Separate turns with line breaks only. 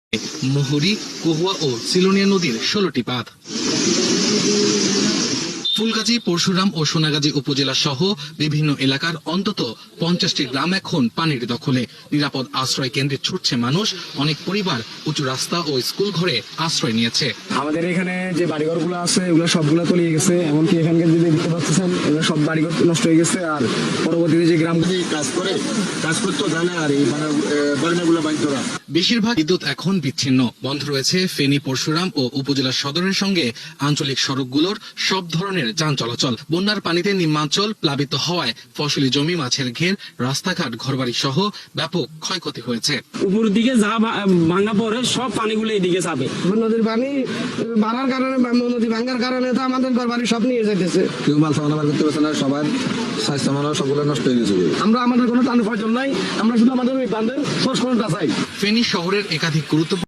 মুহুরী, কহুয়া ও সিলোনিয়া নদীর 16টি বাঁধ। ফুলগাজী, পরশুরাম ও সোনাগাজী উপজেলা সহ বিভিন্ন এলাকার অন্তত 50টি গ্রাম এখন পানির দখলে। নিরাপদ আশ্রয় কেন্দ্রে ছুটছে মানুষ। অনেক পরিবার উঁচু রাস্তা ও স্কুল ঘরে আশ্রয় নিয়েছে।
আমাদের এখানে যে বাড়িঘরগুলো আছে এগুলো সবগুলো তলিয়ে গেছে। এমনকি এখানকার যদি দেখতে পাচ্ছেন এগুলো সব বাড়িঘর নষ্ট হয়ে গেছে। আর পরবর্তীতে যে গ্রামগুলি কাজ করতো জানে আর এই বাড়িগুলো বাড়িতরা
বেশিরভাগ বিদ্যুৎ এখন বিচ্ছিন্ন। বন্ধ রয়েছে ফেনী, পরশুরাম ও উপজেলা সদরের সঙ্গে আঞ্চলিক সড়কগুলোর সব ধরনের যান চলাচল। বন্যার পানিতে নিম্নাঞ্চল প্লাবিত হওয়ায় ফসলি জমি, মাছের ঘের, রাস্তাঘাট, ঘরবাড়ি সহ ব্যাপক ক্ষয়ক্ষতি হয়েছে।
উপর দিকে যা ভাঙা পড়ে সব পানিগুলো এদিকে যাবে।
নদীর পানি বাড়ার কারণে, নদী ভাঙার কারণে তো আমাদের ঘরবাড়ি সব নিয়ে যাইতেছে।
কেউ মাল সামান করতে পারছে না, সবার স্বাস্থ্য মানব সবগুলো নষ্ট হয়ে গেছে।
আমাদের কোনো টান প্রয়োজন নাই, আমরা শুধু আমাদের ওই বাঁধের সংস্করণটা চাই।
ফেনী শহরের একাধিক গুরুত্বপূর্ণ